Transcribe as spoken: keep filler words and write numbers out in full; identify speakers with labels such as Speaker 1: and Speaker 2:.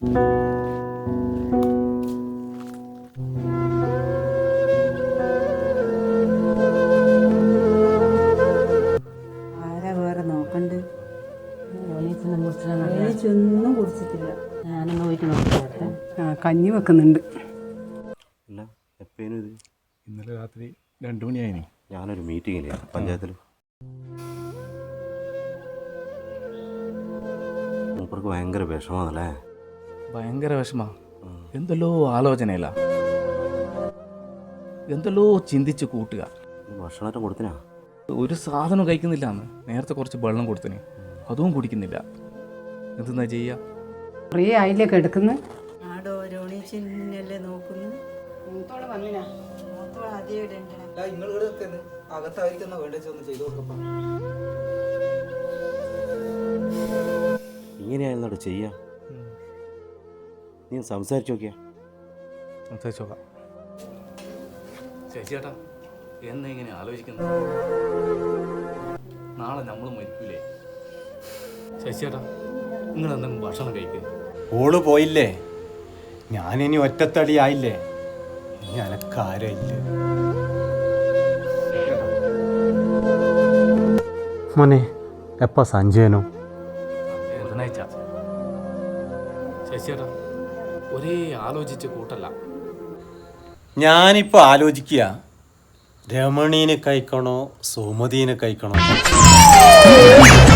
Speaker 1: ആരാ വേറെ നോക്കണ്ട്?
Speaker 2: ഒന്നും കുടിച്ചിട്ടില്ല.
Speaker 1: ഞാനൊന്ന് പോയിട്ട് നോക്കിയാട്ടെ.
Speaker 2: ആ കഞ്ഞി വെക്കുന്നുണ്ട്.
Speaker 3: അല്ല എപ്പോഴും ഇത്
Speaker 4: ഇന്നലെ രാത്രി രണ്ടു മണിയായിനി.
Speaker 3: ഞാനൊരു മീറ്റിങ്ങില്ലേ പഞ്ചായത്തിൽ. മൂപ്പർക്ക് ഭയങ്കര വിഷമാണല്ലേ?
Speaker 4: ഭയങ്കര വിഷമാ. എന്തെല്ലോ ആലോചനയില്ല, എന്തെല്ലോ ചിന്തിച്ച് കൂട്ടുക.
Speaker 3: ഭക്ഷണമൊക്കെ കൊടുത്തിനാ?
Speaker 4: ഒരു സാധനം കഴിക്കുന്നില്ല. എന്ന് നേരത്തെ കുറച്ച് വെള്ളം കൊടുത്തിനി, അതും കുടിക്കുന്നില്ല. എന്തെന്നാ ചെയ്യാ?
Speaker 2: കുറേ ആയില്ലേക്ക് എടുക്കുന്നു.
Speaker 1: ആടോ രോണീച്ചിന്നല്ലേ നോക്കുന്നു.
Speaker 2: മൂത്തോള് വന്നിനാ?
Speaker 1: മൂത്തോൾ ആദ്യം ഇവിടെ ഉണ്ട്.
Speaker 5: അകത്തായിരിക്കുന്ന വേണ്ട ഒന്ന് ചെയ്തു കൊടുക്കപ്പാ.
Speaker 3: ഇങ്ങനെയായിരുന്നോട് ചെയ്യാ? നീ സംസാരിച്ചു നോക്കിയാ?
Speaker 4: സംസാരിച്ചോക്കാം. ചേച്ചിയേട്ടാ, എന്നെ ഇങ്ങനെ ആലോചിക്കുന്നത്? നാളെ നമ്മൾ മരിക്കൂലേ? ചേച്ചിയേട്ടാ, നിങ്ങൾ എന്തെങ്കിലും ഭക്ഷണം കഴിക്കുക.
Speaker 6: ഓള് പോയില്ലേ, ഞാനിനി ഒറ്റത്തടി ആയില്ലേ, ഇനി അനക്കാരില്ലേ. മോനെ എപ്പ സഞ്ജയനോ?
Speaker 4: ബുധനാഴ്ച. ചേച്ചിയേട്ടാ, ഒരേ ആലോചിച്ച് കൂട്ടല്ല.
Speaker 6: ഞാനിപ്പോൾ ആലോചിക്കുക, രമണീനെ കഴിക്കണോ സുമതീനെ കഴിക്കണോ?